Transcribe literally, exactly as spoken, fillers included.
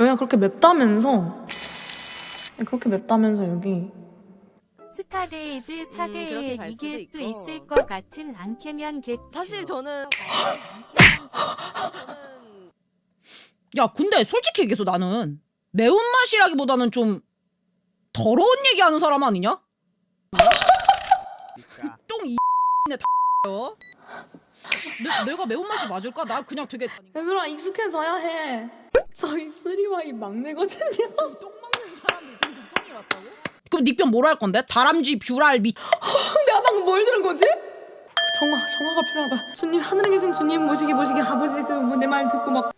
여기가 그렇게 맵다면서? 그렇게 맵다면서 여기. 스타데이즈 사 대에 그렇게 갈 이길 수 수도 있고. 있을 것 같은 앙캐면 겠죠. 사실 저는 저는 야 근데 솔직히 얘기해서 나는 매운맛이라기보다는 좀 더러운 얘기하는 사람 아니냐? 똥이 네 다요. 내가 매운맛이 맞을까? 나 그냥 되게 얘들아 익숙해져야 해. 저희 쓰리와이 막내거든요. 똥 먹는 사람들 지금 똥이 왔다고? 그럼 닉변 뭐로 할 건데? 다람쥐, 뷰랄, 미 내가 방금 뭘 들은 거지? 정화, 정화가 필요하다. 주님, 하늘에 계신 주님 모시기 모시기 아버지 그 뭐 내 말 듣고 막